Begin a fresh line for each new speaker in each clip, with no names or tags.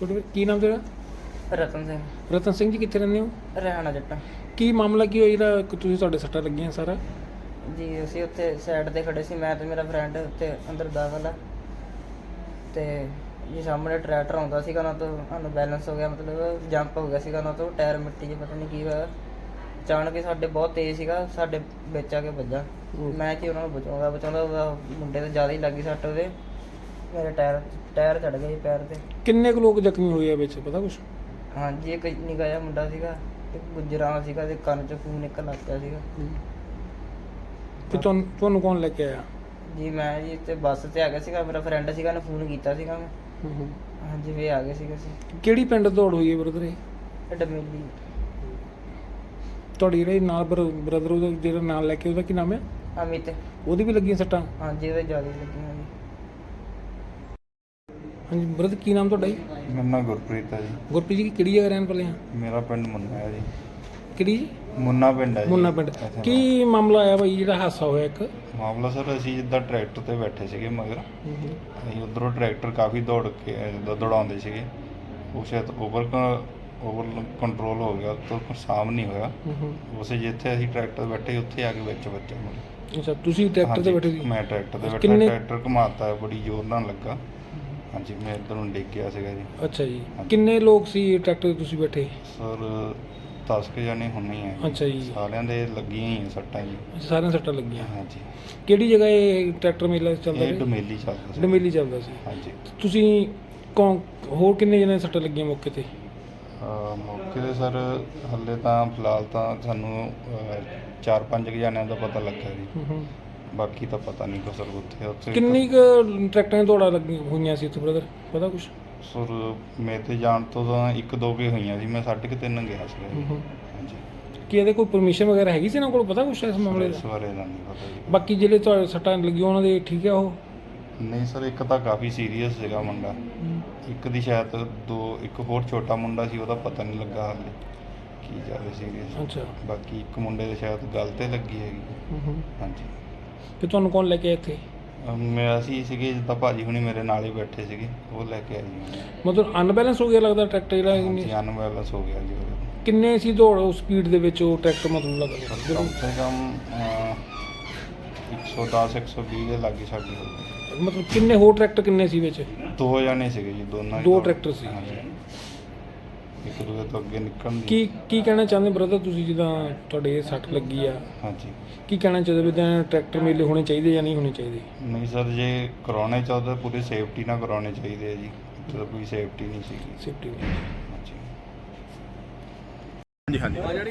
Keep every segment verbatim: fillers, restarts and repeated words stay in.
ਤੁਹਾਡੇ ਕੀ ਨਾਮ ਤੇਰਾ?
ਰਤਨ ਸਿੰਘ।
ਰਤਨ ਸਿੰਘ ਜੀ ਕਿੱਥੇ ਰਹਿੰਦੇ ਹੋ?
ਹਰਿਆਣਾ ਜੱਟਾਂ
ਕੀ ਮਾਮਲਾ ਕੀ ਹੋਇਆ ਜਿਹੜਾ ਕਿ ਤੁਸੀਂ ਤੁਹਾਡੇ ਸੱਟਾਂ ਲੱਗੀਆਂ ਸਾਰਾ?
ਜੀ ਅਸੀਂ ਉੱਥੇ ਸਾਈਡ ਤੇ ਖੜੇ ਸੀ, ਮੈਂ ਤੇ ਮੇਰਾ ਫਰੈਂਡ ਉੱਥੇ ਅੰਦਰ ਦਾਖਲ ਆ ਤੇ ਜੀ ਸਾਹਮਣੇ ਟਰੈਕਟਰ ਆਉਂਦਾ ਸੀਗਾ, ਉਹਨਾਂ ਤੋਂ ਸਾਨੂੰ ਬੈਲੈਂਸ ਹੋ ਗਿਆ, ਮਤਲਬ ਜੰਪ ਹੋ ਗਿਆ ਸੀਗਾ ਉਹਨਾਂ ਤੋਂ, ਟਾਇਰ ਮਿੱਟੀ 'ਚ ਪਤਾ ਨਹੀਂ ਕੀ ਹੋਇਆ, ਅਚਾਨਕ ਹੀ ਸਾਡੇ ਬਹੁਤ ਤੇਜ਼ ਸੀਗਾ, ਸਾਡੇ ਵਿੱਚ ਆ ਕੇ ਵੱਜਾ। ਮੈਂ ਕਿ ਉਹਨਾਂ ਨੂੰ ਬਚਾਉਂਦਾ ਬਚਾਉਂਦਾ ਉਹਦਾ ਮੁੰਡੇ ਤੇ ਜ਼ਿਆਦਾ ਹੀ ਲੱਗੀ ਸੱਟ, ਉਹਦੇ ਮੇਰੇ ਟਾਇਰ ਟਾਇਰ ਚੜ ਗਿਆ ਜੀ ਪੈਰ ਤੇ।
ਕਿੰਨੇ ਕੁ ਲੋਕ ਜ਼ਖਮੀ ਹੋਏ ਆ ਵਿੱਚ ਪਤਾ ਕੁਛ?
ਹਾਂਜੀ ਇੱਕ ਨਿੱਕਾ ਜਿਹਾ ਮੁੰਡਾ ਸੀਗਾ, ਇੱਕ ਗੁਜਰਾਂ ਸੀਗਾ ਤੇ ਕੰਨ 'ਚ ਖੂਨ ਨਿਕਲ ਲੱਗ ਪਿਆ ਸੀਗਾ।
ਤੇ ਤੁਹਾਨੂੰ ਤੁਹਾਨੂੰ ਕੌਣ ਲੈ ਕੇ ਆਇਆ?
ਜੀ ਮੈਂ ਜੀ ਤੇ ਬੱਸ ਤੇ ਆ ਗਿਆ ਸੀਗਾ, ਮੇਰਾ ਫਰੈਂਡ ਸੀਗਾ, ਉਹਨੇ ਫੋਨ ਕੀਤਾ ਸੀਗਾ ਮੈਂ। ਹਾਂਜੀ ਵੀ ਆ ਗਏ ਸੀਗੇ ਅਸੀਂ।
ਕਿਹੜੀ ਪਿੰਡ ਦੌੜ ਹੋਈ ਹੈ ਬ੍ਰਦਰ? ਇਹ
ਇਹ ਡਮੇਲੀ।
ਤੁਹਾਡੀ ਜਿਹੜੇ ਨਾਲ ਬ੍ਰਦਰ ਉਹਦਾ ਜਿਹੜਾ ਨਾਲ ਲੈ ਕੇ ਉਹਦਾ ਕੀ ਨਾਮ ਹੈ?
ਅਮਿਤ।
ਉਹਦੀ ਵੀ ਲੱਗੀਆਂ ਸੱਟਾਂ?
ਹਾਂਜੀ ਉਹਦੇ ਜ਼ਿਆਦਾ ਲੱਗੀਆਂ ਜੀ।
ਹਾਂਜੀ ਬ੍ਰਦਰ ਕੀ ਨਾਮ ਤੁਹਾਡਾ ਜੀ?
ਮੇਰਾ ਨਾਮ ਗੁਰਪ੍ਰੀਤ ਹੈ ਜੀ।
ਗੁਰਪ੍ਰੀਤ ਜੀ ਕਿਹੜੀ ਜਗ੍ਹਾ ਰਹਿਣ ਵਾਲੇ ਆ?
ਮੇਰਾ ਪਿੰਡ ਮੁੰਨਾ ਹੈ ਜੀ।
ਕਿਹੜੀ ਜੀ?
ਮੁੰਨਾ ਪਿੰਡ ਹੈ ਜੀ।
ਮੁੰਨਾ ਪਿੰਡ। ਕੀ ਮਾਮਲਾ ਆਇਆ ਬਾਈ ਜਿਹੜਾ ਹਾਦਸਾ ਹੋਇਆ ਇੱਕ?
ਮਾਮਲਾ ਸਰ ਅਸੀਂ ਜਿੱਦਾਂ ਟਰੈਕਟਰ ਤੇ ਬੈਠੇ ਸੀਗੇ ਮਗਰ, ਅਸੀਂ ਉੱਧਰੋਂ ਟਰੈਕਟਰ ਕਾਫੀ ਦੌੜ ਕੇ ਜਿੱਦਾਂ ਦੌੜਾਉਂਦੇ ਸੀਗੇ, ਉਹ ਸ਼ਾਇਦ ਓਵਰ ਓਵਰ ਕੰਟਰੋਲ ਹੋ ਗਿਆ, ਤੋਂ ਸਾਮ ਨਹੀਂ ਹੋਇਆ। ਉਸੇ ਜਿੱਥੇ ਅਸੀਂ ਟਰੈਕਟਰ ਤੇ ਬੈਠੇ ਉੱਥੇ ਆ ਕੇ ਵਿੱਚ ਵੱਜਿਆ ਮੈਨੂੰ।
ਅੱਛਾ ਤੁਸੀਂ ਟਰੈਕਟਰ ਤੇ ਬੈਠੇ ਸੀ?
ਮੈਂ ਟਰੈਕਟਰ ਤੇ ਬੈਠਾ,
ਕਿੰਨੇ-
ਟਰੈਕਟਰ ਘੁਮਾਤਾ ਬੜੀ ਜ਼ੋਰ ਨਾਲ ਲੱਗਾ। ਹਾਂਜੀ ਮੈਂ ਇੱਧਰ ਨੂੰ ਡਿੱਗ ਗਿਆ ਸੀਗਾ ਜੀ।
ਅੱਛਾ ਜੀ ਕਿੰਨੇ ਲੋਕ ਸੀ ਟਰੈਕਟਰ ਤੇ ਤੁਸੀਂ ਬੈਠੇ?
ਸਰ ਦਸ ਕੁ ਜਾਣੇ ਹੁੰਨੇ ਆ ਜੀ।
ਅੱਛਾ ਜੀ
ਸਾਰਿਆਂ ਦੇ ਲੱਗੀਆਂ ਹੀ ਆ ਸੱਟਾਂ ਜੀ।
ਸਾਰਿਆਂ ਸੱਟਾਂ ਲੱਗੀਆਂ।
ਹਾਂਜੀ
ਕਿਹੜੀ ਜਗ੍ਹਾ ਇਹ ਟਰੈਕਟਰ ਮੇਲਾ ਚੱਲਦਾ
ਇਹ
ਸੀ?
ਡਮੇਲੀ ਚੱਲਦਾ ਸੀ।
ਡਮੇਲੀ ਚੱਲਦਾ ਸੀ।
ਹਾਂਜੀ
ਤੁਸੀਂ ਕੌਣ ਹੋਰ ਕਿੰਨੇ ਜਣੇ ਸੱਟਾਂ ਲੱਗੀਆਂ ਮੌਕੇ ਤੇ?
ਅਹ ਮੌਕੇ 'ਤੇ ਸਰ ਹਾਲੇ ਤਾਂ ਫਿਲਹਾਲ ਤਾਂ ਸਾਨੂੰ ਅਹ, ਚਾਰ ਪੰਜ ਕੁ ਜਣਿਆਂ ਦਾ ਪਤਾ ਲੱਗਾ ਜੀ, ਬਾਕੀ ਤਾਂ ਪਤਾ ਨਹੀਂ ਕੋ ਸਰ ਉੱਥੇ ਉੱਥੇ
ਕਿੰਨੀ ਕੁ ਟਰੈਕਟਰਾਂ ਦੀਆਂ ਦੌੜਾਂ ਲੱਗੀਆਂ ਹੋਈਆਂ ਸੀ ਉੱਥੇ ਬ੍ਰਦਰ ਪਤਾ ਕੁਛ?
ਸਰ ਮੇਰੇ ਤੇ ਜਾਣ ਤੋਂ ਤਾਂ ਇੱਕ ਦੋ ਕੇ ਹੋਈਆਂ ਸੀ, ਮੈਂ ਸਾਢੇ ਕੁ ਤਿੰਨ ਗਿਆ ਸੀ ਜੀ। ਹਾਂਜੀ
ਕੀ ਇਹਦੇ ਕੋਈ ਪਰਮਿਸ਼ਨ ਵਗੈਰਾ ਹੈਗੀ ਸੀ ਇਹਨਾਂ ਕੋਲ ਪਤਾ ਕੁਛ ਇਸ ਮਾਮਲੇ
ਇਸ
ਦਾ?
ਬਾਰੇ ਦਾ ਨਹੀਂ ਪਤਾ ਜੀ।
ਬਾਕੀ ਜਿਹੜੇ ਤੁਹਾਡੇ ਸੱਟਾਂ ਲੱਗੀਆਂ ਉਹਨਾਂ ਦੇ ਠੀਕ ਆ ਉਹ?
ਨਹੀਂ ਸਰ ਇੱਕ ਤਾਂ ਕਾਫੀ ਸੀਰੀਅਸ ਸੀਗਾ ਮੁੰਡਾ, ਇੱਕ ਦੀ ਸ਼ਾਇਦ ਦੋ ਇੱਕ ਹੋਰ ਛੋਟਾ ਮੁੰਡਾ ਸੀ, ਉਹਦਾ ਪਤਾ ਨਹੀਂ ਲੱਗਾ ਹਾਲੇ ਕੀ ਜ਼ਿਆਦਾ ਸੀਰੀਅਸ।
ਅੱਛਾ
ਬਾਕੀ ਇੱਕ ਮੁੰਡੇ ਦੇ ਸ਼ਾਇਦ ਗੱਲ ਤੇ ਲੱਗੀ ਹੈਗੀ। ਹਾਂਜੀ
ਤੇ ਤੁਹਾਨੂੰ ਕੌਣ ਲੈ ਕੇ ਆਇਆ ਇੱਥੇ?
ਅਮ ਮੈਂ ਅਸੀਂ ਸੀਗੇ ਜਿੱਦਾਂ ਭਾਜੀ ਹੁਣੀ ਮੇਰੇ ਨਾਲ ਹੀ ਬੈਠੇ ਸੀਗੇ, ਉਹ ਲੈ ਕੇ ਆਏ ਜੀ।
ਮਤਲਬ ਅਨਬੈਲੈਂਸ ਹੋ ਗਿਆ ਲੱਗਦਾ ਟਰੈਕਟਰ ਜਿਹੜਾ?
ਹਾਂਜੀ ਅਨਬੈਲੈਂਸ ਹੋ ਗਿਆ ਜੀ ਉਹਦੇ।
ਕਿੰਨੇ ਸੀ ਦੌੜ ਉਸ ਸਪੀਡ ਦੇ ਵਿੱਚ ਉਹ ਟਰੈਕਟਰ ਮਤਲਬ ਲੱਗਦਾ?
ਕਮ ਸੇ ਕਮ ਇੱਕ ਸੌ ਦਸ ਇੱਕ ਸੌ ਵੀਹ ਦੇ ਲਾਗੇ ਸਾਡੀ ਹੋ ਗਈ।
ਮਤਲਬ ਕਿੰਨੇ ਹੋਰ ਟਰੈਕਟਰ ਕਿੰਨੇ ਸੀ ਵਿੱਚ?
ਦੋ ਜਣੇ ਸੀਗੇ ਜੀ, ਦੋਨਾਂ ਹੀ
ਦੋ
ਦੌੜ-
ਟਰੈਕਟਰ ਸੀ।
ਹਾਂਜੀ। ਇੱਕ ਦੂਜੇ ਤੋਂ ਅੱਗੇ ਨਿਕਲਣ ਦੀ।
ਕੀ ਕੀ ਕਹਿਣਾ ਚਾਹੁੰਦੇ ਬ੍ਰਦਰ ਤੁਸੀਂ ਜਿੱਦਾਂ ਤੁਹਾਡੇ ਇਹ ਸੱਟ ਲੱਗੀ ਆ?
ਹਾਂਜੀ
ਕੀ ਕਹਿਣਾ ਚਾਹੁੰਦੇ ਵੀ ਤਾਂ ਟਰੈਕਟਰ ਮੇਲੇ ਹੋਣੇ ਚਾਹੀਦੇ ਜਾਂ ਨਹੀਂ ਹੋਣੇ ਚਾਹੀਦੇ?
ਨਹੀਂ ਸਰ ਜੇ ਕਰਾਉਣੇ ਚਾਹੁੰਦੇ ਪੂਰੀ ਸੇਫਟੀ ਨਾਲ ਕਰਾਉਣੇ ਚਾਹੀਦੇ ਆ ਜੀ, ਇੱਥੇ ਤਾਂ ਕੋਈ ਸੇਫਟੀ ਨਹੀਂ ਸੀਗੀ।
ਸੇਫਟੀ
ਹਾਂਜੀ
ਹਾਂਜੀ ਹਾਂਜੀ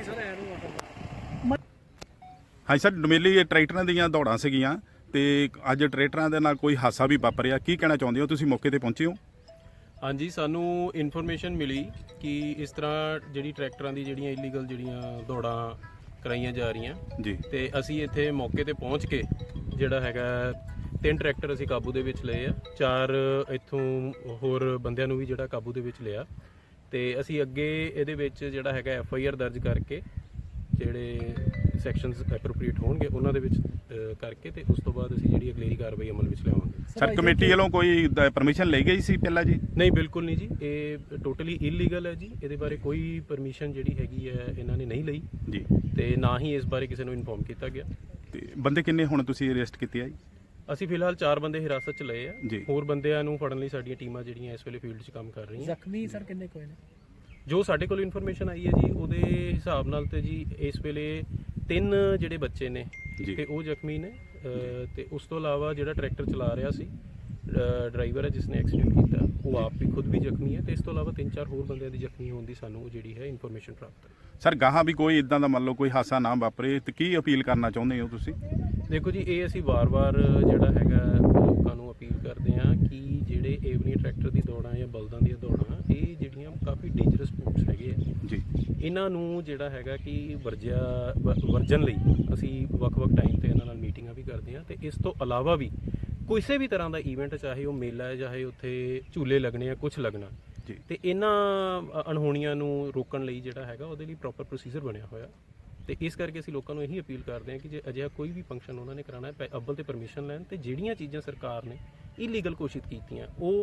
ਹਾਂਜੀ ਸਰ ਡਮੇਲੀ ਟਰੈਕਟਰਾਂ ਦੀਆਂ ਦੌੜਾਂ ਸੀਗੀਆਂ ਤੇ ਅੱਜ ਟਰੈਕਟਰਾਂ ਦੇ ਨਾਲ ਕੋਈ ਹਾਦਸਾ ਵੀ ਵਾਪਰਿਆ, ਕੀ ਕਹਿਣਾ ਚਾਹੁੰਦੇ ਹੋ? ਤੁਸੀਂ ਮੌਕੇ ਤੇ ਪਹੁੰਚੇ ਹੋ?
ਹਾਂਜੀ ਸਾਨੂੰ ਇਨਫੋਰਮੇਸ਼ਨ ਮਿਲੀ ਕਿ ਇਸ ਤਰ੍ਹਾਂ ਜਿਹੜੀ ਟਰੈਕਟਰਾਂ ਦੀ ਜਿਹੜੀਆਂ ਇਲੀਗਲ ਜਿਹੜੀਆਂ ਦੌੜਾਂ ਕਰਾਈਆਂ ਜਾ ਰਹੀਆਂ
ਜੀ
ਤੇ ਅਸੀਂ ਇੱਥੇ ਮੌਕੇ ਤੇ ਪਹੁੰਚ ਕੇ ਜਿਹੜਾ ਹੈਗਾ ਤਿੰਨ ਟਰੈਕਟਰ ਅਸੀਂ ਕਾਬੂ ਦੇ ਵਿੱਚ ਲਏ ਆ, ਚਾਰ ਇੱਥੋਂ ਹੋਰ ਬੰਦਿਆਂ ਨੂੰ ਵੀ ਜਿਹੜਾ ਕਾਬੂ ਦੇ ਵਿੱਚ ਲਿਆ ਤੇ ਅਸੀਂ ਅੱਗੇ ਇਹਦੇ ਵਿੱਚ ਜਿਹੜਾ ਹੈਗਾ ਐਫ ਆਈ ਆਰ ਦਰਜ ਕਰਕੇ ਜਿਹੜੇ ਸੈਕਸ਼ਨਸ ਐਪਰੋਪਰੀਏਟ ਹੋਣਗੇ ਉਹਨਾਂ ਦੇ ਵਿੱਚ ਕਰਕੇ ਤੇ ਉਸ ਤੋਂ ਬਾਅਦ ਅਸੀਂ ਜਿਹੜੀ ਅਗਲੇਰੀ ਕਾਰਵਾਈ ਅਮਲ ਵਿੱਚ ਲਿਆਵਾਂਗੇ।
ਸਰ ਕਮੇਟੀ ਵੱਲੋਂ ਕੋਈ ਪਰਮਿਸ਼ਨ ਲਈ ਗਈ ਸੀ ਪਹਿਲਾਂ ਜੀ?
ਨਹੀਂ ਬਿਲਕੁਲ ਨਹੀਂ ਜੀ, ਇਹ ਟੋਟਲੀ ਇਲੀਗਲ ਹੈ ਜੀ, ਇਹਦੇ ਬਾਰੇ ਕੋਈ ਪਰਮਿਸ਼ਨ ਜਿਹੜੀ ਹੈਗੀ ਹੈ ਇਹਨਾਂ ਨੇ ਨਹੀਂ ਲਈ
ਜੀ
ਤੇ ਨਾ ਹੀ ਇਸ ਬਾਰੇ ਕਿਸੇ ਨੂੰ ਇਨਫੋਰਮ ਕੀਤਾ ਗਿਆ।
ਤੇ ਬੰਦੇ ਕਿੰਨੇ ਹੁਣ ਤੁਸੀਂ ਅਰੈਸਟ ਕੀਤੇ ਆ ਜੀ?
ਅਸੀਂ ਫਿਲਹਾਲ ਚਾਰ ਬੰਦੇ ਹਿਰਾਸਤ 'ਚ ਲਏ ਆ,
ਜੀ।
ਹੋਰ ਬੰਦਿਆਂ ਨੂੰ ਫੜਨ ਲਈ ਸਾਡੀਆਂ ਟੀਮਾਂ ਜਿਹੜੀਆਂ ਇਸ ਵੇਲੇ ਫੀਲਡ 'ਚ ਕੰਮ ਕਰ ਰਹੀਆਂ।
ਜ਼ਖਮੀ ਸਰ ਕਿੰਨੇ ਕੋਈ ਨੇ?
ਜੋ ਸਾਡੇ ਕੋਲ ਇਨਫੋਰਮੇਸ਼ਨ ਆਈ ਹੈ ਜੀ ਉਹਦੇ ਹਿਸਾਬ ਨਾਲ ਤੇ ਜੀ ਇਸ ਵੇਲੇ ਤਿੰਨ ਜਿਹੜੇ ਬੱਚੇ ਨੇ
ਜੀ।
ਤੇ ਉਹ ਜ਼ਖਮੀ ਨੇ ਅ, ਤੇ ਉਸ ਤੋਂ ਇਲਾਵਾ ਜਿਹੜਾ ਟਰੈਕਟਰ ਚਲਾ ਰਿਹਾ ਸੀ ਡਰਾਈਵਰ ਹੈ ਜਿਸ ਨੇ ਐਕਸੀਡੈਂਟ ਕੀਤਾ ਉਹ ਆਪ ਵੀ ਖੁਦ ਵੀ ਜ਼ਖਮੀ ਹੈ ਤੇ ਇਸ ਤੋਂ ਇਲਾਵਾ ਤਿੰਨ ਚਾਰ ਹੋਰ ਬੰਦਿਆਂ ਦੀ ਜ਼ਖਮੀ ਹੋਣ ਦੀ ਸਾਨੂੰ ਜਿਹੜੀ ਹੈ ਇਨਫੋਰਮੇਸ਼ਨ ਪ੍ਰਾਪਤ ਹੈ।
ਸਰ ਗਾਹਾਂ ਵੀ ਕੋਈ ਇਦਾਂ ਦਾ ਮੰਨ ਲਓ ਕੋਈ ਹਾਦਸਾ ਨਾ ਵਾਪਰੇ ਤੇ ਕੀ ਅਪੀਲ ਕਰਨਾ ਚਾਹੁੰਦੇ ਹੋ ਤੁਸੀਂ?
ਦੇਖੋ ਜੀ ਇਹ ਅਸੀਂ ਵਾਰ-ਵਾਰ ਜਿਹੜਾ ਹੈਗਾ ਲੋਕਾਂ ਨੂੰ ਅਪੀਲ ਕਰਦੇ ਹਾਂ ਕਿ ਜਿਹੜੇ ਏਵਨੀ ਟਰੈਕਟਰ ਦੀ ਦੌੜਾਂ ਜਾਂ ਬਲਦਾਂ ਦੀਆਂ ਦੌੜਾਂ ਇਹ ਜਿਹੜੀਆਂ ਕਾਫੀ ਡੇਂਜਰਸ ਸਪੋਰਟਸ ਹੈਗੇ ਆ
ਜੀ,
ਇਹਨਾਂ ਨੂੰ ਜਿਹੜਾ ਹੈਗਾ ਕਿ ਵਰਜਿਆ ਵ- ਵਰਜਨ ਲਈ ਅਸੀਂ ਵੱਖ-ਵੱਖ ਟਾਈਮ ਤੇ ਇਹਨਾਂ ਨਾਲ ਮੀਟਿੰਗਾਂ ਵੀ ਕਰਦੇ ਹਾਂ ਤੇ ਇਸ ਤੋਂ ਇਲਾਵਾ ਵੀ ਕਿਸੇ ਵੀ ਤਰ੍ਹਾਂ ਦਾ ਈਵੈਂਟ ਚਾਹੇ ਉਹ ਮੇਲਾ ਹੈ ਚਾਹੇ ਉੱਥੇ ਝੂਲੇ ਲੱਗਣੇ ਆ ਕੁਝ ਲੱਗਣਾ
ਜੀ।
ਤੇ ਇਹਨਾਂ ਅਣਹੋਣੀਆਂ ਨੂੰ ਰੋਕਣ ਲਈ ਜਿਹੜਾ ਹੈਗਾ ਉਹਦੇ ਲਈ ਪ੍ਰੋਪਰ ਪ੍ਰੋਸੀਜਰ ਬਣਿਆ ਹੋਇਆ ਤੇ ਇਸ ਕਰਕੇ ਅਸੀਂ ਲੋਕਾਂ ਨੂੰ ਇਹੀ ਅਪੀਲ ਕਰਦੇ ਹਾਂ ਕਿ ਜੇ ਅਜਿਹਾ ਕੋਈ ਵੀ ਫੰਕਸ਼ਨ ਉਹਨਾਂ ਨੇ ਕਰਾਉਣਾ ਹੈ ਅੱਵਲ ਤੇ ਪਰਮਿਸ਼ਨ ਲੈਣ ਤੇ ਜਿਹੜੀਆਂ ਚੀਜ਼ਾਂ ਸਰਕਾਰ ਨੇ ਇਲੀਗਲ ਘੋਸ਼ਿਤ ਕੀਤੀਆਂ ਉਹ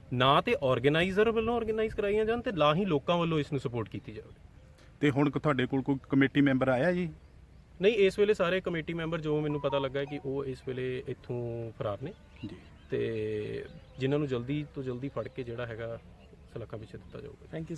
ਨਾ ਤੇ ਆਰਗੇਨਾਈਜ਼ਰ ਵੱਲੋਂ ਆਰਗੇਨਾਈਜ਼ ਕਰਾਈਆਂ ਜਾਣ ਤੇ ਨਾ ਹੀ ਲੋਕਾਂ ਵੱਲੋਂ ਇਸ ਨੂੰ ਸਪੋਰਟ ਕੀਤੀ ਜਾਵੇ।
ਤੇ ਹੁਣ ਤੁਹਾਡੇ ਕੋਲ ਕੋਈ ਕਮੇਟੀ ਮੈਂਬਰ ਆਇਆ ਜੀ?
ਨਹੀਂ, ਇਸ ਵੇਲੇ ਸਾਰੇ ਕਮੇਟੀ ਮੈਂਬਰ ਜੋ ਮੈਨੂੰ ਪਤਾ ਲੱਗਾ ਹੈ ਕਿ ਉਹ ਇਸ ਵੇਲੇ ਇੱਥੋਂ ਫਰਾਰ ਨੇ
ਜੀ।
ਤੇ ਜਿਨ੍ਹਾਂ ਨੂੰ ਜਲਦੀ ਤੋਂ ਜਲਦੀ ਫੜ ਕੇ ਜਿਹੜਾ ਹੈਗਾ ਸਲਾਖਾਂ ਪਿੱਛੇ ਦਿੱਤਾ ਜਾਊਗਾ।
Thank you.